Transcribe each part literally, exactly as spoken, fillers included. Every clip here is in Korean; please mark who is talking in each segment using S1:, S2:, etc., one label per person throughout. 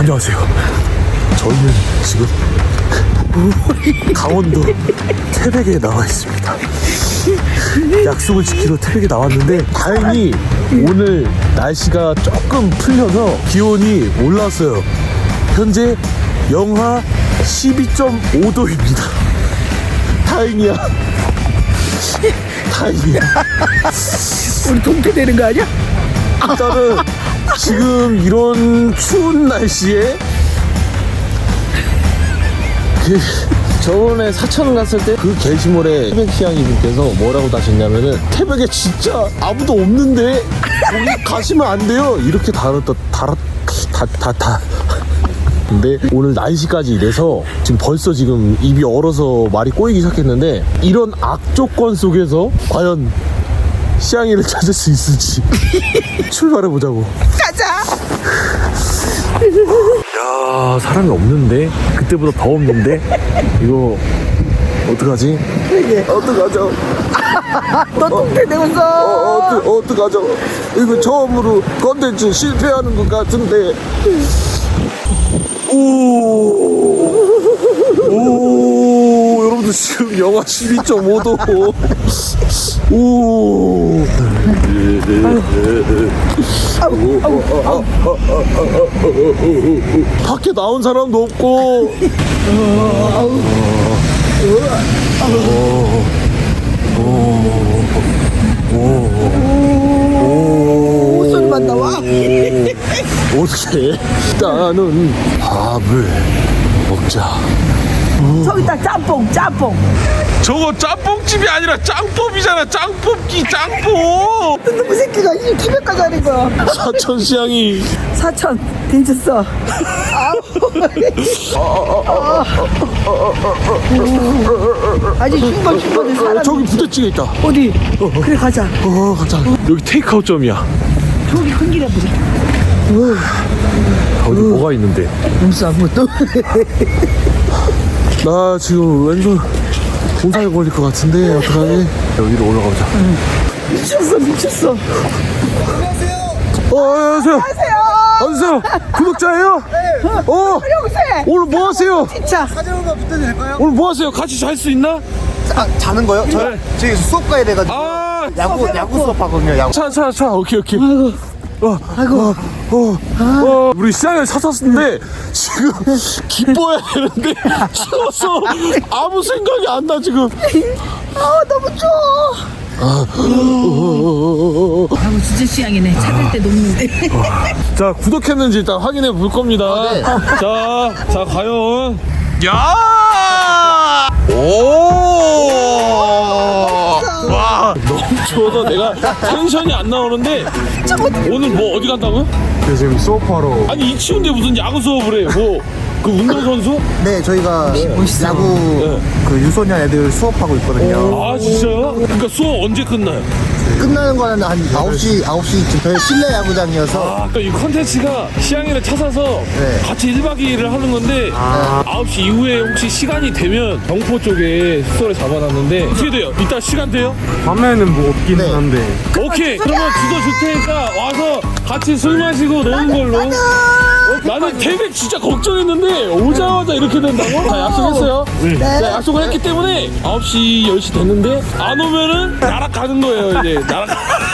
S1: 안녕하세요. 저희는 지금 강원도 태백에 나와 있습니다. 약속을 지키러 태백에 나왔는데 다행히 오늘 날씨가 조금 풀려서 기온이 올랐어요. 현재 영하 십이 점 오 도입니다. 다행이야. 다행이야.
S2: 우리 동태되는 거 아니야?
S1: 일단은 지금 이런 추운 날씨에 그 저번에 사천 갔을 때 그 게시물에 태백 시향이분께서 뭐라고 다셨냐면은 태백에 진짜 아무도 없는데 거기 가시면 안 돼요 이렇게 달았다 달았 다다다 근데 오늘 날씨까지 이래서 지금 벌써 지금 입이 얼어서 말이 꼬이기 시작했는데 이런 악조건 속에서 과연 시향이를 찾을 수 있을지 출발해보자고.
S2: 가자.
S1: 야, 사람이 없는데 그때보다 더 없는데 이거 어떡하지?
S2: 그게
S1: 어떡하죠?
S2: 너 동태되면서.
S1: 어, 어떡, 어떡하죠? 이거 처음으로 컨텐츠 실패하는 것 같은데. 오, 오, 여러분들 지금 영하 십이 점 오 도. 오. 밖에 나온 사람도 없고.
S2: 소리만 나와.
S1: 어떻게? 일단은 밥을 먹자.
S2: 저기다 짬뽕 짬뽕.
S1: 저거 짬뽕집이 아니라 짱법이잖아. 짱뽑기 짱법.
S2: 너무 새끼가 이 태백까지 하는 거야.
S1: 사천 시향이
S2: 사천 괜찮어. 아주 흉거 흉거는 사람.
S1: 저기 부대찌개 있다.
S2: 어디? 그래 가자.
S1: 어 가자. 여기 테이크아웃점이야.
S2: 저기 큰 길에 보자.
S1: 어디 뭐가 있는데?
S2: 무슨 아무것도.
S1: 나 지금 왼손 공사에 걸릴 것 같은데 어떡하지? 여기로 올라가보자.
S2: 미쳤어 미쳤어.
S1: 어 안녕하세요.
S2: 안녕하세요.
S1: 안녕하세요. 구독자예요? 네. 어
S2: 영세.
S1: 오늘 뭐 하세요?
S2: 진짜.
S3: 사진 한번 붙여도 될까요?
S1: 오늘 뭐 하세요? 같이 잘 수 있나?
S3: 아, 자는 거요? 저
S1: 네.
S3: 지금 수업 가야 돼가지고
S1: 아
S3: 야구 야구 수업 하거든요. 야구.
S1: 차, 차, 차. 오케이, 오케이.
S2: 아이고.
S1: 어,
S2: 아이고.
S1: 어, 어, 어, 우리 시장을 찾았는데 지금 기뻐해야 되는데 추워서 아무 생각이 안 나 지금.
S2: 아 너무 추워.
S1: 어, 어, 어, 어.
S2: 아이고 진짜 시향이네. 찾을 때 녹는데.
S1: 자, 구독했는지 일단 확인해 볼 겁니다.
S3: 네.
S1: 자, 자, 과연. 야! 오! 와, 너무 추워서 내가 텐션이 안 나오는데 오늘 뭐 어디 간다고요?
S3: 지금 수업하러.
S1: 아니 이 추운데 무슨 야구 수업을 해? 뭐 그 운동선수?
S3: 네, 저희가 야구
S1: 네.
S3: 그 유소년 애들 수업하고 있거든요.
S1: 아 진짜요? 그러니까 수업 언제 끝나요?
S3: 끝나는 거는 한 아홉 시 아홉 시쯤 저희 실내 야구장이어서.
S1: 아, 그러니까 이 컨텐츠가 시향이를 찾아서
S3: 네.
S1: 같이 일 박 이 일을 하는 건데 아홉 시 이후에 혹시 시간이 되면 경포 쪽에 숙소를 잡아놨는데 어떻게 돼요? 이따 시간 돼요?
S4: 밤에는 뭐 없긴
S3: 네.
S4: 한데
S1: 오케이 그러면 주소 줄 테니까 와서 같이 술 마시고 노는 걸로. 어, 나는 태백 진짜 걱정했는데 오자마자 이렇게 된다고? 자 약속했어요. 자, 약속을 했기 때문에 아홉 시 열 시 됐는데 안 오면은 날아가는 거예요 이제. 날아.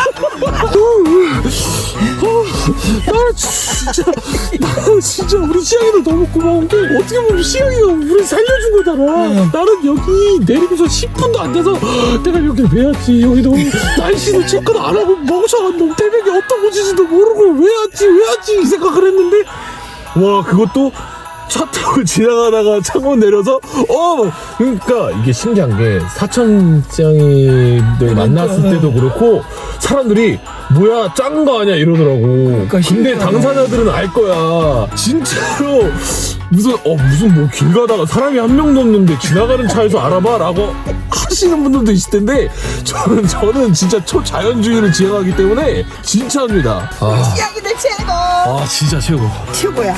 S1: 나 진짜 나 진짜 우리 시향이도 너무 고마운 게 어떻게 보면 시향이가 우리 살려준 거잖아. 나는 여기 내리고서 십 분도 안 돼서 내가 여기 왜 왔지? 여기 너무 날씨도 체크도 안 하고 멍청한 태백이 어떤 곳인지도 모르고 왜 왔지? 왜 왔지? 이 생각을 했는데 와 그것도 차 타고 지나가다가 창문 내려서 어 그러니까 이게 신기한 게 사천시장이들 만났을 때도 그렇고 사람들이 뭐야 짠 거 아니야 이러더라고. 근데 당사자들은 알 거야 진짜로. 무슨 어 무슨 뭐 길 가다가 사람이 한 명도 없는데 지나가는 차에서 알아봐라고 하시는 분들도 있을 텐데 저는 저는 진짜 초자연주의를 지향하기 때문에 진짜입니다. 아,
S2: 시향이들 최고.
S1: 아 진짜 최고.
S2: 최고야.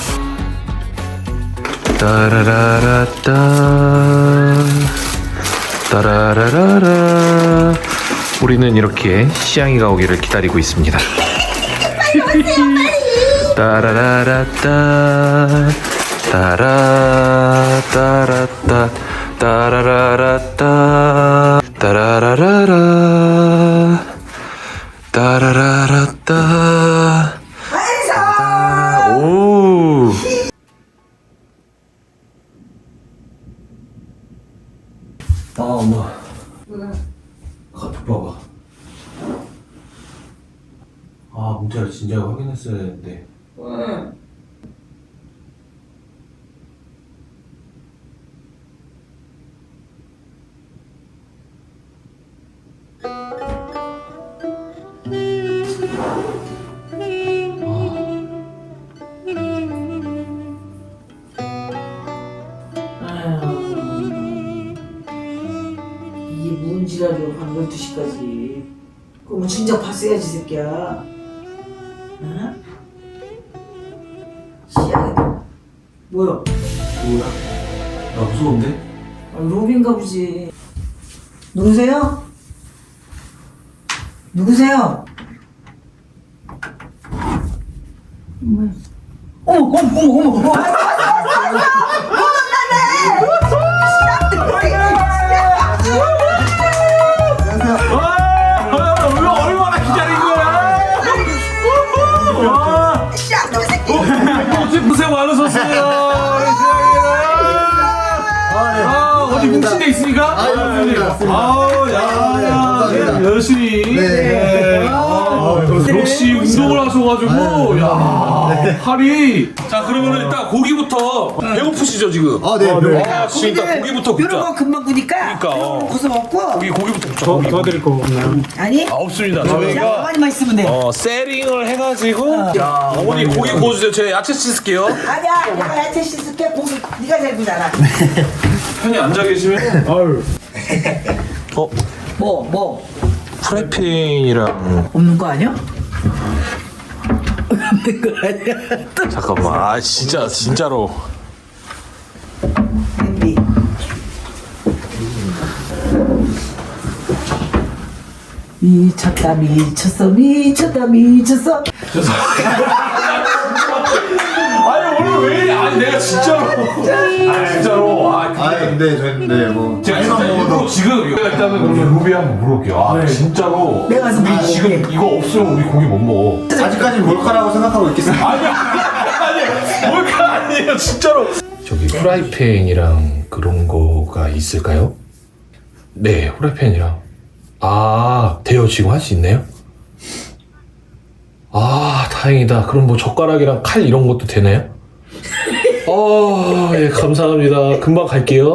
S1: 따라라라따 따라라라라. 우리는 이렇게 시향이가 오기를 기다리고 있습니다. 따라라라따 따라 따라따 따라라라따 따라라라라 따라라라따 오 아 엄마 카톡 봐봐. 아 문자를 진작에 확인했어야 되는데.
S2: 응.
S4: 이게 무슨 지랄이야 밤 열두 시까지. 그럼 진작 봤어야지 새끼야. 응? 씨야 뭐야?
S1: 뭐야? 나 무서운데?
S4: 아, 로빈가 보지. 누구세요? 누구세요? 어머 어머 어머 어머 어머
S1: 아, 얼마나 기다린 거야? 와,
S2: 쌍놈 새끼.
S1: 어제 고생 많으셨어요. 아, 어디 뭉친 데 있습니까?
S3: 아, 네, 맞습니다.
S1: 아우, 야,
S3: 감사합니다.
S1: 열심히.
S3: 네.
S1: 아, 역시 운동을 하셔가지고, 야, 팔이. 자, 그러면 일단 고기부터 배고프시죠, 지금?
S3: 아, 네. 네.
S1: 아, 지금 일단 고기부터
S2: 이런
S1: 굽자.
S2: 거 금방 구니까.
S1: 그러니까, 어.
S2: 고서 먹고.
S1: 고기, 고기부터 굽자. 고기, 고기.
S5: 거 없나요?
S2: 아니?
S1: 아, 없습니다.
S2: 자,
S1: 저희가.
S2: 가만히만 있으면 돼.
S1: 어, 세링을 해가지고. 자, 어머니 고기 구워주세요. 제가 야채 씻을게요.
S2: 아니야, 내가 야채 씻을게. 고기 네가 잘 구잖아.
S1: 편히 앉아 계시면.
S5: 아유.
S1: 어,
S2: 뭐, 뭐
S1: 프라이팬이랑.
S2: 없는 거 아니야? 없는 거 아니야?
S1: 잠깐만. 아, 진짜, 진짜로.
S2: 냄비. 미쳤다 미쳤어 미쳤다 미쳤어.
S1: 아니, 오늘 왜 이래? 아니, 내가 진짜로. 아, 진짜로. 아,
S3: 아, 근데 저는 네, 뭐
S1: 제가
S3: 잘만
S1: 진짜
S3: 먹어도
S1: 이거 지금 이거 일단은 오늘 루비 한번 물어볼게요. 아, 진짜로.
S2: 내가 가서
S1: 우리
S2: 먹어볼게.
S1: 지금 이거 없으면 우리 고기 못 먹어.
S3: 아직까지 몰카라고 생각하고 있겠습니다.
S1: 아니야, 아니, 뭘까 아니에요, 진짜로. 저기 프라이팬이랑 그런 거가 있을까요? 네, 후라이팬이랑. 아, 돼요? 지금 할 수 있네요? 아, 다행이다. 그럼 뭐 젓가락이랑 칼 이런 것도 되나요? 아, 예, 감사합니다. 금방 갈게요.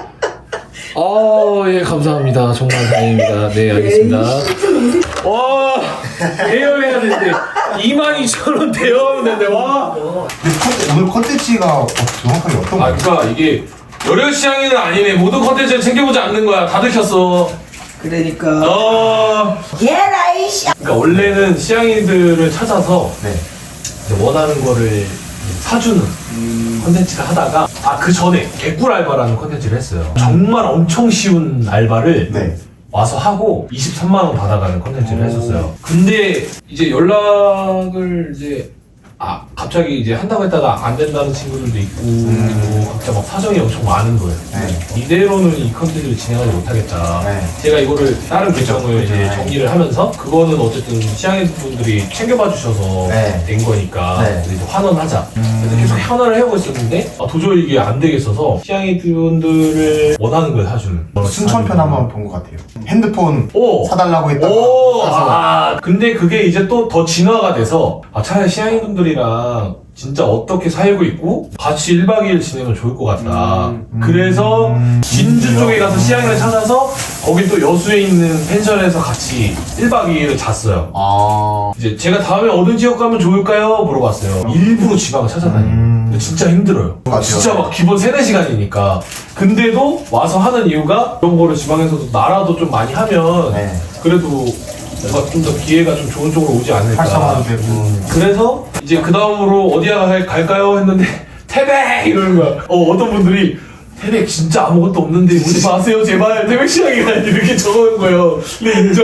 S1: 아, 예, 감사합니다. 정말 다행입니다. 네, 알겠습니다. 와, 대여해야 되는데 이만 이천 원 대여하면 되는데, 와.
S3: 오늘 컨텐츠가 정확하게 어떤
S1: 아,
S3: 거예요?
S1: 그러니까 이게 열혈 시향이는 아니네. 모든 컨텐츠를 챙겨보지 않는 거야. 다 들켰어.
S2: 그러니까.
S1: 어.
S2: 얘라 이씨.
S1: 그러니까 원래는 시향이들을 찾아서
S3: 네.
S1: 이제 원하는 거를 사주는 컨텐츠를 하다가, 아, 그 전에 개꿀 알바라는 컨텐츠를 했어요. 정말 엄청 쉬운 알바를
S3: 네.
S1: 와서 하고 이십삼만 원 받아가는 컨텐츠를 했었어요. 근데 이제 연락을 이제 아 갑자기 이제 한다고 했다가 안 된다는 친구들도 있고, 그리고 각자 막 사정이 엄청 많은 거예요.
S3: 네.
S1: 이대로는 이 컨텐츠를 진행하지 못하겠다.
S3: 네.
S1: 제가 이거를 다른 계정을 이제
S3: 네.
S1: 정리를 하면서 그거는 어쨌든 시향인 분들이 챙겨봐 주셔서
S3: 네.
S1: 된 거니까
S3: 네.
S1: 그래서 이제 환원하자. 그래서 계속 환원을 해오고 있었는데 아, 도저히 이게 안 되겠어서 시향인 분들을 원하는 걸 사주는.
S3: 순천편 한번 본 것 같아요. 핸드폰
S1: 오!
S3: 사달라고 했다가
S1: 오,
S3: 사서.
S1: 아, 근데 그게 이제 또 더 진화가 돼서, 아, 차라리 시향인분들이랑 진짜 어떻게 살고 있고, 같이 일박 이일 지내면 좋을 것 같다.
S3: 음, 음,
S1: 그래서,
S3: 음,
S1: 진주 쪽에 가서 시향인을 찾아서, 거기 또 여수에 있는 펜션에서 같이 일박 이일을 잤어요.
S3: 아.
S1: 이제 제가 다음에 어느 지역 가면 좋을까요? 물어봤어요. 일부러 지방을 찾아다니고.
S3: 음.
S1: 근데 진짜 힘들어요.
S3: 맞아요.
S1: 진짜 막 기본 세네 시간이니까. 근데도 와서 하는 이유가 이런 거를 지방에서도 나라도 좀 많이 하면
S3: 네.
S1: 그래도 뭔가 좀 더 기회가 좀 좋은 쪽으로 오지 않을까.
S3: 활성화도 되고.
S1: 그래서 이제 그 다음으로 어디 갈- 갈까요? 했는데 태백! 이러는 거야. 어, 어떤 분들이 태백 진짜 아무것도 없는데 오지 마세요 제발 태백 시장이라 이렇게 적어놓은 거예요. 근데 인정?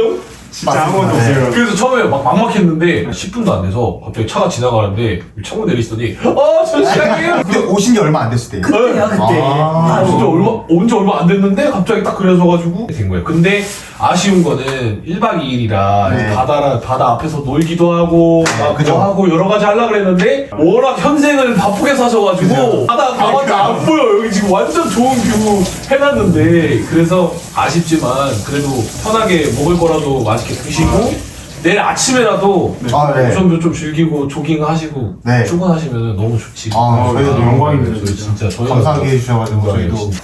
S5: 진짜 아무것도 없어요.
S6: 그래서 처음에 막 막막했는데 십 분도 안 돼서 갑자기 차가 지나가는데 창문 내리시더니 어, 저 시작이에요.
S3: 근데 오신 지 얼마 안 됐을 때요.
S4: 그때야 그때.
S3: 아,
S6: 진짜 얼마 온 지 얼마 안 됐는데 갑자기 딱 그래서가지고 된 거예요. 근데 아쉬운 거는 일 박 이 일이라
S3: 네.
S6: 바다 바다 앞에서 놀기도 하고 막
S3: 그죠.
S6: 그거 하고 여러 가지 하려 그랬는데 워낙 현생을 바쁘게 사셔가지고 바다 가봤자 안 보여. 여기 지금 완전 좋은 뷰 해놨는데 그래서 아쉽지만 그래도 편하게 먹을 거라도 맛있게 드시고. 내일 아침에라도
S3: 아, 네.
S6: 우선도 좀 즐기고 조깅하시고
S3: 네.
S6: 출근하시면 너무 좋지.
S3: 아, 저희도
S5: 너무 영광입니다,
S6: 저희
S5: 진짜.
S6: 진짜 저희가
S3: 감사하게 해주셔가지고 저희도.
S6: 진짜.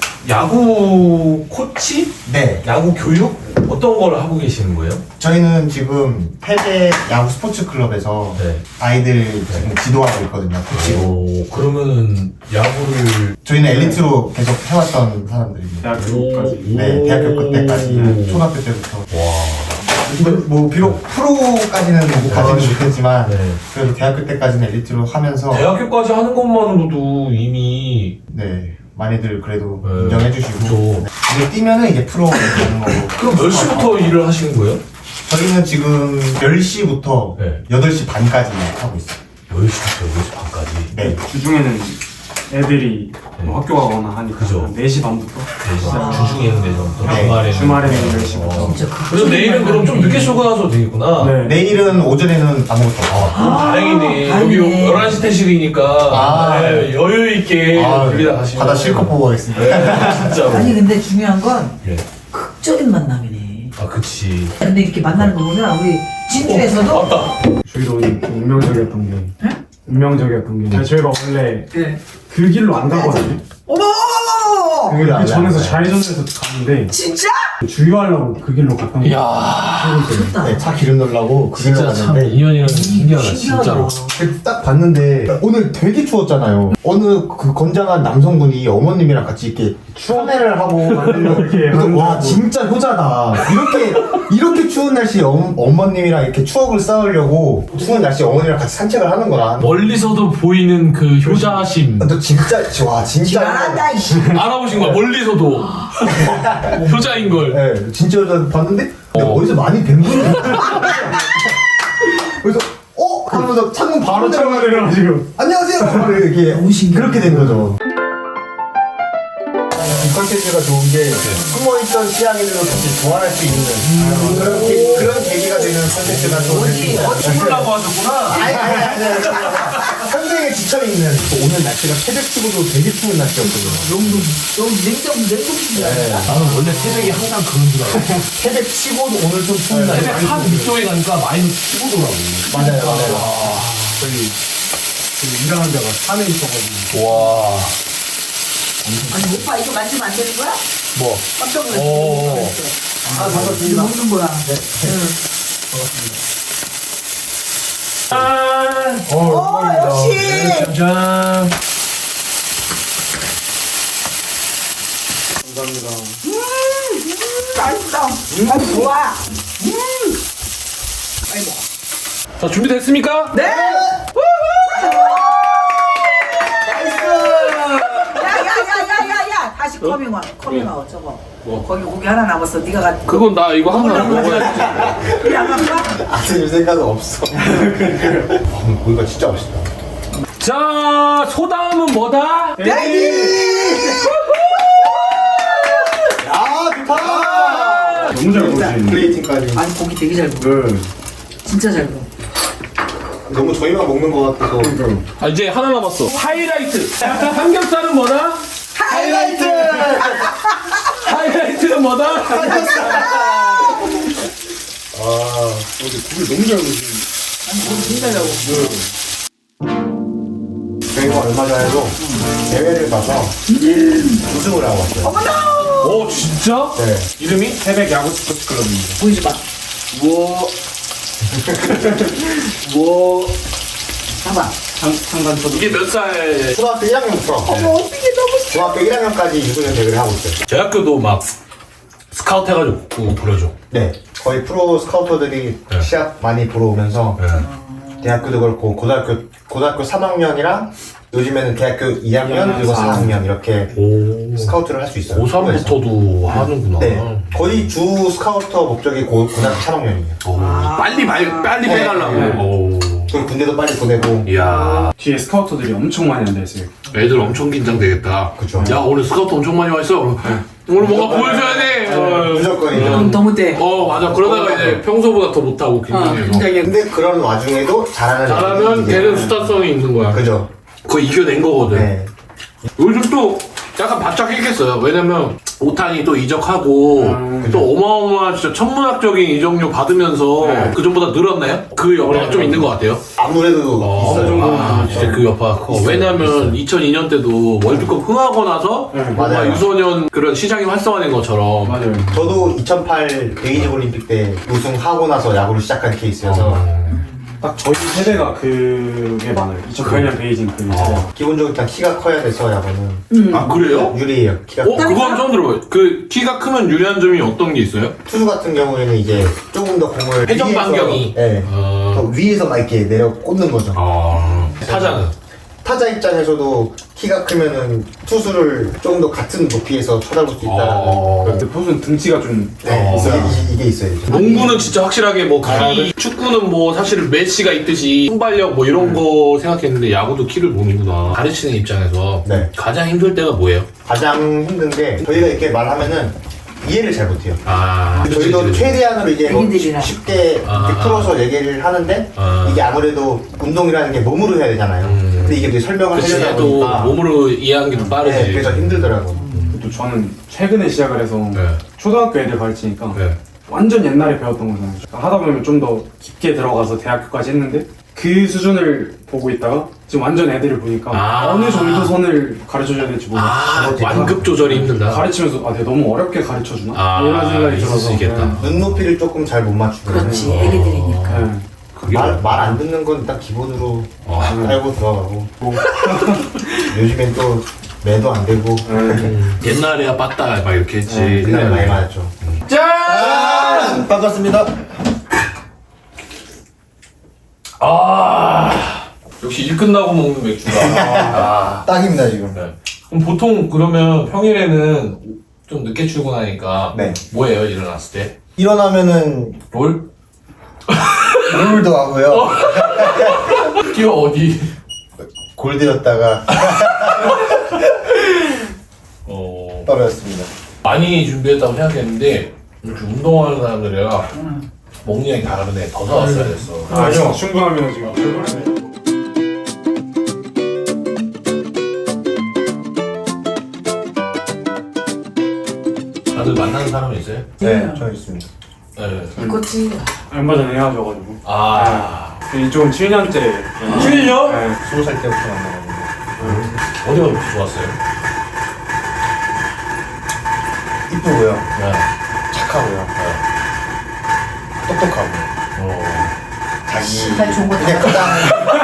S6: 야구 코치?
S3: 네.
S6: 야구 교육? 어떤 걸 하고 계시는 거예요?
S3: 저희는 지금 패배 야구 스포츠 클럽에서
S6: 네.
S3: 아이들 지금 지도하고 있거든요. 코치로.
S6: 오, 그러면 야구를
S3: 저희는 엘리트로 계속 해왔던 사람들입니다.
S5: 대학교까지.
S3: 네, 대학교 그때까지, 초등학교 때부터.
S6: 와.
S3: 근데 뭐 비록 프로까지는 못 가지는 못했지만
S6: 네.
S3: 그래도 대학교 때까지는 엘리트로 하면서
S6: 대학교까지 하는 것만으로도 이미
S3: 네 많이들 그래도
S6: 네.
S3: 인정해 주시고
S6: 그죠.
S3: 네. 근데 뛰면은 이제 프로 가는 거고.
S6: 그럼 몇 시부터 일을 하시는 거예요?
S3: 저희는 지금 열 시부터
S6: 네.
S3: 여덟 시 반까지 하고 있어요.
S6: 열 시부터 여덟 시 반까지.
S3: 네.
S5: 주중에는 애들이 뭐 학교 가거나 하니까
S6: 그죠.
S5: 한 네 시 반부터
S6: 주중에는 내전부터
S3: 네.
S6: 주말에는
S5: 주말에는 열 시부터.
S6: 어.
S4: 진짜
S6: 그래서 내일은 그럼 좀 늦게 출근하셔도 되겠구나.
S5: 네.
S3: 내일은 오전에는 아무것도 없어요.
S6: 아, 그럼 다행이네.
S4: 다행이네.
S6: 여기 열한 시 퇴실이니까
S3: 아.
S6: 네, 여유 있게
S3: 아,
S6: 여기다 가시면
S3: 바다 실컷 보고 가겠습니다.
S6: 진짜로.
S4: 아니 근데 중요한 건
S6: 예.
S4: 극적인 만남이네.
S6: 아, 그치.
S4: 근데 이렇게 만나는 거 보면 우리 진주에서도
S6: 어, 맞다.
S5: 저희도 오늘 좀 운명적이었던 게 운명적이었던 게 저희가 원래
S4: 네.
S5: 그 길로 안 가거든요.
S4: 어머!
S5: 그, 그 전에서 좌회전해서 갔는데
S4: 진짜?
S5: 주유하려고 그 길로 갔던 거예요.
S6: 이야.
S4: 좋다.
S3: 네, 차 기름 넣으려고 그 길로
S6: 진짜 참
S3: 갔는데
S6: 인연이라는 게 신기하다, 진짜로.
S3: 딱 봤는데 오늘 되게 추웠잖아요. 어느 그 건장한 남성분이 어머님이랑 같이 이렇게 참회를 하고 만들려고
S5: 이렇게
S3: 그래서
S5: 하는
S3: 와
S5: 거.
S3: 진짜 효자다. 이렇게 이렇게 추운 날씨에 어, 어머님이랑 이렇게 추억을 쌓으려고 추운 날씨에 어머니랑 같이 산책을 하는구나.
S6: 멀리서도 보이는 그 효자심.
S3: 너 진짜 와 진짜
S4: 잘한다 이씨.
S6: 알아보신 거야, 멀리서도. 효자인 걸.
S3: 네, 진짜 효자 봤는데 근데
S6: 어.
S3: 어디서 많이 뵌 분이 그래서 어? 하면서 창문 바로
S5: 차가 내려가지고
S3: 안녕하세요! 이렇게 그렇게 된 거죠. 이 컨텐츠가 좋은 게 숨어있던 취향인들로 다시 교환할 수 있는 그런, 계, 그런 계기가 되는 컨텐츠가 좋은
S6: 죽으려고 하셨구나.
S3: 아니 아니 아니 아니 현생에 지쳐있는 오늘 날씨가 새벽치고도 되게 추운 날씨였거든요.
S4: 너무 너무 냉정 냉정.
S6: 나는 원래 새벽에 항상 그런 줄 알았어.
S3: 새벽치고도 오늘 좀 추운 날
S6: 새벽 한 밑도에 가니까 마이너스 십오더라고.
S3: 맞아요 맞아요.
S5: 저희 그 일하는 데가 산에 있어가지고
S6: 와.
S4: 아니 오빠 이거 만지면 안 되는 거야?
S6: 뭐?
S4: 깜짝 놀랐어.
S6: 오.
S4: 아 반갑습니다. 먹는 거야.
S6: 짠!
S3: 어,
S4: 어 역시.
S6: 짠!
S5: 감사합니다.
S4: 맛있다. 아 좋아.
S6: 자, 준비됐습니까?
S4: 네. 야야야야야야 다시 커밍아웃 커밍아웃 저거.
S6: 뭐?
S4: 거기 고기 하나 남았어. 네가 가.
S6: 그건 나 이거 하나 먹어야지.
S4: 우리 안 갈까?
S3: 아들 생각은 없어. 아, 고기가 진짜 맛있다.
S6: 자, 소다음은 뭐다?
S3: 야 좋다.
S5: 너무 잘 보시네.
S3: 플레이팅까지.
S4: 아니 고기 되게 잘 구워.
S3: 네.
S4: 진짜 잘 구워.
S3: 너무 저희만 먹는 것 같아서.
S6: 아, 이제 하나 남았어. 하이라이트. 삼겹살은 뭐다?
S3: 하이라이트.
S6: 하이라이트는 뭐다?
S3: 아, 근데 고기 너무 잘 먹으시네.
S4: 아니 고기 진짜 잘 구워.
S3: 저희가 얼마 전에도 대회를 가서 우승을 하고 왔어요.
S6: 오, 진짜?
S3: 네.
S6: 이름이?
S5: 새벽 야구 스포츠 클럽입니다.
S4: 보이지 마.
S6: 뭐. 뭐.
S4: 봐봐.
S5: 상관 초등.
S6: 이게 몇 살?
S3: 초등학교 일 학년부터
S4: 어머 어떻게 너무
S3: 중학교 일 학년까지 유소년 대회를 하고 있어요.
S6: 저희 학교도 막 스카우트 해가지고 보려줘.
S3: 네. 거의 프로 스카우터들이
S6: 네.
S3: 시합 많이 보러 오면서
S6: 네.
S3: 대학교도 그렇고 고등학교 고등학교 삼 학년이랑 요즘에는 대학교 이 학년 그리고 사 학년 이렇게
S1: 오.
S3: 스카우트를 할 수 있어요.
S1: 고삼부터도 하는구나.
S3: 네. 거의 주 스카우터 목적이 고, 고등학교 삼 학년이에요.
S1: 오. 빨리 말, 빨리
S3: 네.
S1: 빼가려고.
S5: 네.
S1: 오.
S3: 그리고 군대도 빨리 보내고.
S1: 이야.
S5: 뒤에 스카우터들이 엄청 많이 앉아있어요.
S1: 애들 엄청 긴장되겠다.
S3: 그쵸.
S1: 야, 오늘 스카우트 엄청 많이 와 있어. 오늘 뭔가 보여줘야 돼. 어.
S3: 무조건이죠.
S4: 음, 너무 돼.
S1: 어, 맞아. 그러다가 이제 평소보다 더 못하고
S4: 어,
S1: 긴장해서.
S4: 굉장히.
S3: 근데 그런 와중에도 잘하는
S1: 잘하면
S3: 애들이
S1: 걔는
S3: 이제-
S1: 스타성이 있는 거야.
S3: 그죠.
S1: 그거 이겨낸 거거든.
S3: 네.
S1: 요즘 또 약간 바짝 했겠어요. 왜냐면 오탄이 또 이적하고
S5: 음,
S1: 또 어마어마한 진짜 천문학적인 이적료 받으면서
S5: 네.
S1: 그 전보다 늘었나요? 그 여파가 좀 있는 것 같아요.
S3: 아무래도
S1: 어,
S3: 있어요.
S1: 아, 진짜 그 여파가 커. 왜냐면 이천이 년 때도 월드컵 흥하고 나서
S5: 네,
S1: 뭔가
S3: 맞아요.
S1: 유소년 그런 시장이 활성화된 것처럼
S5: 맞아요.
S3: 저도 이천팔 베이징 올림픽 때 우승하고 나서 야구를 시작한 케이스여서
S5: 딱 저희 세대가 그게 많아요. 이천팔 년 베이징 그 세대.
S3: 기본적으로 일단 키가 커야 돼서 야구는
S4: 음.
S1: 아 그래요?
S3: 유리해요. 키가
S1: 어? 그건 처음 들어봐요. 그 키가 크면 유리한 점이 어떤 게 있어요?
S3: 투수 같은 경우에는 이제 조금 더 공을
S1: 회전
S3: 위에서-
S1: 반경이.
S3: 네.
S1: 어...
S3: 더 위에서 막 이렇게 내려 꽂는 거죠.
S1: 아... 타자는?
S3: 타자 입장에서도 키가 크면은 투수를 조금 더 같은 높이에서 쳐다볼 수 있다는
S1: 어.
S3: 그런
S5: 근데 포수는 등치가 좀
S3: 네,
S5: 있어요.
S3: 이게, 이게 있어야죠.
S1: 농구는 진짜 확실하게 뭐 키, 축구는 뭐 사실 메시가 있듯이 순발력 뭐 이런 거 생각했는데 야구도 키를 보는구나. 가르치는 입장에서
S3: 네.
S1: 가장 힘들 때가 뭐예요?
S3: 가장 힘든 게 저희가 이렇게 말하면은 이해를 잘 못해요.
S1: 아,
S3: 저희도 최대한으로 이제 뭐
S4: 애기들이랑.
S3: 쉽게
S1: 아,
S3: 이렇게
S1: 아.
S3: 풀어서 얘기를 하는데
S1: 아.
S3: 이게 아무래도 운동이라는 게 몸으로 해야 되잖아요.
S1: 음.
S3: 근데 이게 이제 설명을
S1: 그치,
S3: 하려다
S1: 또
S3: 보니까
S1: 몸으로 이해하는 게 좀 빠르지.
S3: 네, 그래서 힘들더라고요.
S5: 또 저는 최근에 시작을 해서
S1: 네.
S5: 초등학교 애들 가르치니까
S1: 네.
S5: 완전 옛날에 배웠던 거잖아요. 하다 보면 좀 더 깊게 들어가서 대학교까지 했는데 그 수준을 보고 있다가 지금 완전 애들을 보니까
S1: 아.
S5: 어느 정도 선을 가르쳐줘야 될지 모르겠어요.
S1: 아, 완급 조절이 힘들다.
S5: 가르치면서 아, 내가 너무 어렵게 가르쳐주나?
S1: 아,
S5: 이런 생각이
S1: 있을
S5: 들어서
S1: 수 있겠다.
S3: 눈높이를 조금 잘 못 맞추고
S4: 그렇지, 애기들이니까.
S5: 네. 네.
S1: 그게
S3: 말 말 안 듣는 건 일단 기본으로
S1: 어.
S3: 알고 들어가고 요즘엔 또 매도 안 되고
S1: 음, 옛날에야 빠따 막 이렇게 했지.
S3: 네, 그날 많이 맞았죠.
S1: 짠!
S3: 반갑습니다.
S6: 아 역시 일 끝나고 먹는 맥주가. 아.
S3: 딱입니다 지금.
S6: 네. 그럼 보통 그러면 평일에는 좀 늦게 출근하니까
S3: 네.
S6: 뭐예요 일어났을 때?
S3: 일어나면은
S6: 롤?
S3: 롤도 하고요.
S6: 뛰어 어디?
S3: 골드였다가
S6: 어
S3: 떨어졌습니다.
S6: 많이 준비했다고 생각했는데 이렇게 운동하는 사람들이라 먹는 양이 다르네. 더 사왔어야 됐어.
S5: 아니요. 충분하면 지금 출근하네.
S6: 다들 만나는 사람 있어요?
S3: 네, 저 있습니다.
S6: 네.
S4: 그렇지.
S5: 얼마 전에 헤어져가지고
S6: 아
S5: 이쪽은 칠 년째.
S6: 칠 년?
S5: 네.
S3: 스무 살 때부터 만나가지고
S6: 어디가 그렇게 좋았어요?
S3: 이쁘고요,
S6: 네.
S3: 착하고요, 똑똑하고
S6: 어.
S3: 자기
S4: 다 좋은 거
S3: 그냥 그냥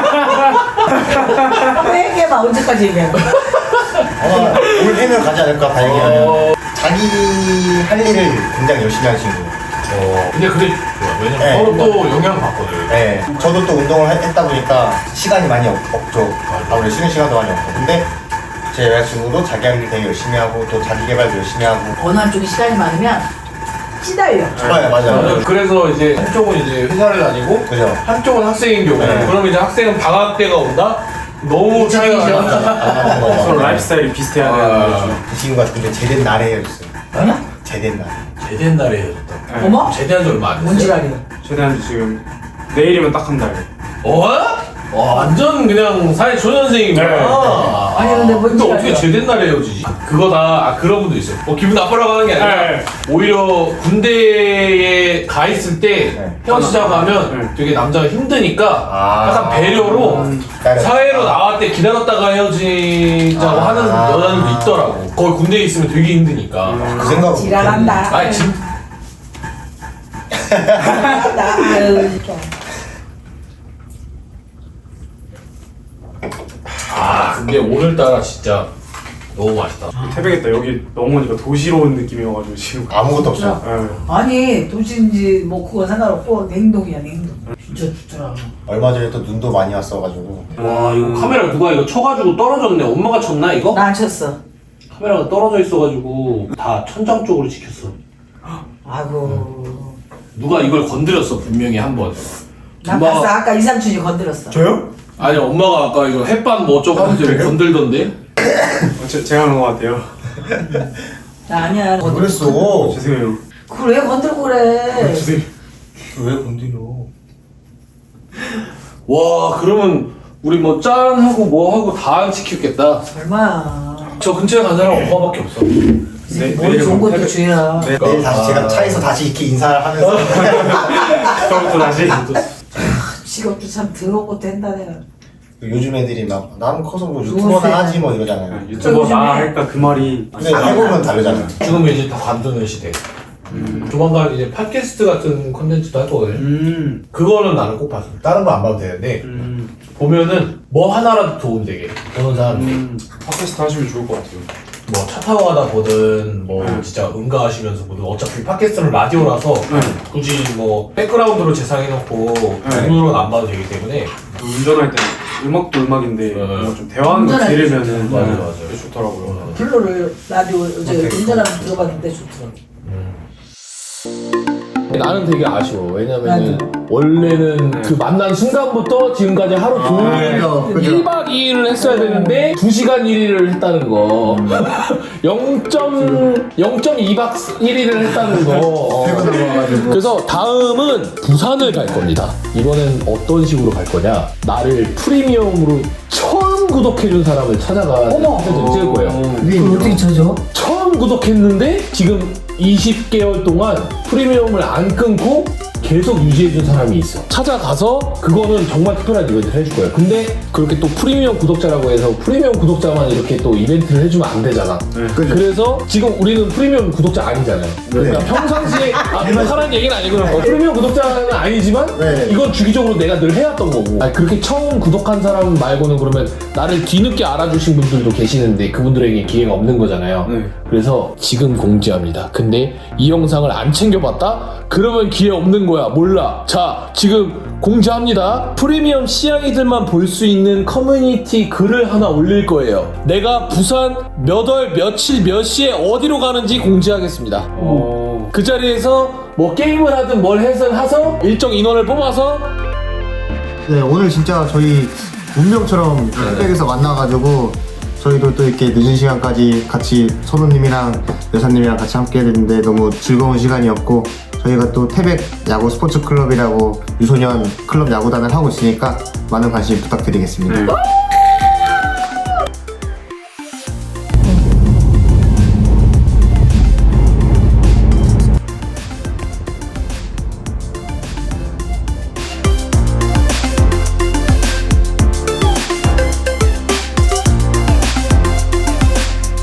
S4: 회계 막 언제까지 얘기하는 거야?
S3: 아마 올 해면 가지 않을까 다행이라면 자기 할 일을 굉장히 열심히 하는 친구.
S6: 어. 근데 그게 좋아. 왜냐면
S3: 네.
S6: 서로 또 영향 받거든.
S3: 네, 저도 또 운동을 했- 했다 보니까 시간이 많이 없, 없죠. 아무래도 쉬는 시간도 많이 없고. 근데 제 여자친구도 자기 할 일 되게 열심히 하고 또 자기 개발도 열심히 하고.
S4: 어느 한쪽에 시간이 많으면 시달려.
S3: 네, 맞아요.
S6: 그래서 이제 한쪽은 이제 회사를 다니고
S3: 그죠?
S6: 한쪽은 학생인 경우.
S3: 네.
S6: 그러면 이제 학생은 방학 때가 온다? 너무 차이가
S4: 이상이죠.
S6: 나.
S3: 안 맞는 거죠.
S5: 서로 라이프스타일이 비슷해야
S6: 아.
S5: 되는 거죠.
S3: 그 친구가 근데 제된 날에 헤어졌어요. 제된 날.
S6: 제대한 날에 헤어졌다.
S5: 네.
S4: 어머?
S6: 제대한 지 얼마 안 됐어.
S4: 뭔지라니.
S5: 최대한 지금 내일이면 딱 한 달.
S6: 어? 와, 완전 그냥 사회 초년생이구나.
S5: 네.
S6: 아.
S4: 아니, 근데 뭔지
S6: 근데 어떻게
S4: 알죠?
S6: 제대한 날에 헤어지지? 그거다. 아, 그런 분도 있어요. 뭐 기분 나쁘라고 하는 게 아니라
S5: 네.
S6: 오히려 군대에 가 있을 때
S3: 네.
S6: 헤어지자고 하면
S5: 네.
S6: 되게 남자가 힘드니까
S3: 아.
S6: 약간 배려로
S3: 기다려.
S6: 사회로 나왔을 때 기다렸다가 헤어지자고
S3: 아.
S6: 하는 여자들도 있더라고. 거기 군대에 있으면 되게 힘드니까.
S3: 그 생각.
S4: 지랄한다.
S6: 아니 진
S4: 나, 아유, 좀.
S6: 아 근데 오늘따라 진짜 너무 맛있다.
S5: 태백했다. 여기 넘어오니까 도시로 온 느낌이어가지고 지금.
S3: 아무것도 없어요.
S5: 예.
S4: 아니 도시인지 뭐 그거 상관없고 냉동이야 냉동. 진짜 좋더라.
S3: 얼마 전에 또 눈도 많이 왔어가지고
S6: 와 이거 카메라 누가 이거 쳐가지고 떨어졌네. 엄마가 쳤나 이거?
S4: 나 안 쳤어.
S6: 카메라가 떨어져 있어가지고 다 천장 쪽으로 찍혔어.
S4: 아이고.
S6: 누가 이걸 건드렸어 분명히 한 번.
S4: 난
S6: 엄마가-
S4: 봤어. 아까 이삼촌이 건드렸어.
S3: 저요?
S6: 아니 엄마가 아까 이거 햇반 뭐 어쩌고 하면서 건들던데?
S5: 어, 제, 제가 한 것 같아요.
S4: 나 아니야.
S3: 왜 그랬어?
S5: 죄송해요.
S4: 그걸 왜 건들고 그래?
S5: 죄송해요.
S3: 왜 건드려?
S6: 와 그러면 우리 뭐 짠하고 뭐하고 다 안 시켰겠다.
S4: 얼마야.
S6: 저 근처에 간 사람 엄마밖에 없어.
S5: 네,
S4: 머리 좋은 것도
S5: 태백-
S4: 주야.
S5: 네,
S3: 내일 다시 제가 차에서 다시 이렇게 인사를 하면서
S5: 처음부터 다시.
S4: 직업도 참 더럽고 된다 내가.
S3: 요즘 애들이 막 나는 커서 뭐 유튜버나 하지 뭐 이러잖아요.
S5: 유튜버 나 할까 그 말이.
S3: 근데 해보면 다르잖아요.
S6: 지금은 이제 다 관두는 시대. 조만간 이제 팟캐스트 같은 컨텐츠도 할 거거든.
S5: 음.
S6: 그거는 나는 꼭 봤어. 다른 거 안 봐도 되는데
S5: 음.
S6: 보면은 뭐 하나라도 도움 되게 보는 사람들이
S5: 음. 팟캐스트 하시면 좋을 것 같아요.
S6: 뭐 차 타고 가다 보든 뭐
S5: 음.
S6: 진짜 응가하시면서 보든 어차피 팟캐스트는 라디오라서
S5: 음.
S6: 굳이 뭐 백그라운드로 재생해놓고 눈으로는 안 봐도 되기 때문에
S5: 운전할 때 음악도 음악인데
S6: 네.
S5: 뭔가 좀 대화하는 거
S4: 운전할 때
S5: 들으면은
S6: 맞아,
S5: 네,
S6: 맞아.
S5: 되게 좋더라고요.
S4: 블루를 라디오 이제 운전하면 들어봤는데 좋더라고.
S1: 나는 되게 아쉬워. 왜냐면은
S4: 나도.
S1: 원래는 그 만난 순간부터 지금까지 하루 종일
S3: 그죠, 그죠.
S1: 일 박 이 일을 했어야 되는데 두 시간 일 일을 했다는 거. 영 점 이 박 일 일을 했다는 거. 그래서 다음은 부산을 갈 겁니다. 이번엔 어떤 식으로 갈 거냐? 나를 프리미엄으로 처음 구독해준 사람을 찾아가 사진을 찍을 거예요.
S4: 그걸 어떻게 쳐줘?
S1: 처음 구독했는데 지금 이십 개월 동안 프리미엄을 안 끊고 계속 유지해준 사람이 있어. 찾아가서 그거는 정말 특별한 이벤트를 해줄 거예요. 근데 그렇게 또 프리미엄 구독자라고 해서 프리미엄 구독자만 이렇게 또 이벤트를 해주면 안 되잖아. 그래서 지금 우리는 프리미엄 구독자 아니잖아요. 그러니까 평상시에 아, 하라는 얘기는 아니고 어, 프리미엄 구독자는 아니지만
S3: 네.
S1: 이건 주기적으로 내가 늘 해왔던 거고. 아니, 그렇게 처음 구독한 사람 말고는 그러면 나를 뒤늦게 알아주신 분들도 계시는데 그분들에게 기회가 없는 거잖아요.
S5: 네.
S1: 그래서 지금 공지합니다. 근데 이 영상을 안 챙겨봤다? 그러면 기회 없는 거야. 몰라. 자, 지금 공지합니다. 프리미엄 씨양이들만 볼 수 있는 커뮤니티 글을 하나 올릴 거예요. 내가 부산 몇 월 며칠 몇 시에 어디로 가는지 공지하겠습니다.
S5: 어.
S1: 그 자리에서 뭐 게임을 하든 뭘 해서 해서 일정 인원을 뽑아서
S3: 네, 오늘 진짜 저희 운명처럼 태백에서 만나가지고 저희도 또 이렇게 늦은 시간까지 같이 선우님이랑 여사님이랑 같이 함께 했는데 너무 즐거운 시간이었고 저희가 또 태백 야구 스포츠 클럽이라고 유소년 클럽 야구단을 하고 있으니까 많은 관심 부탁드리겠습니다.
S5: 네.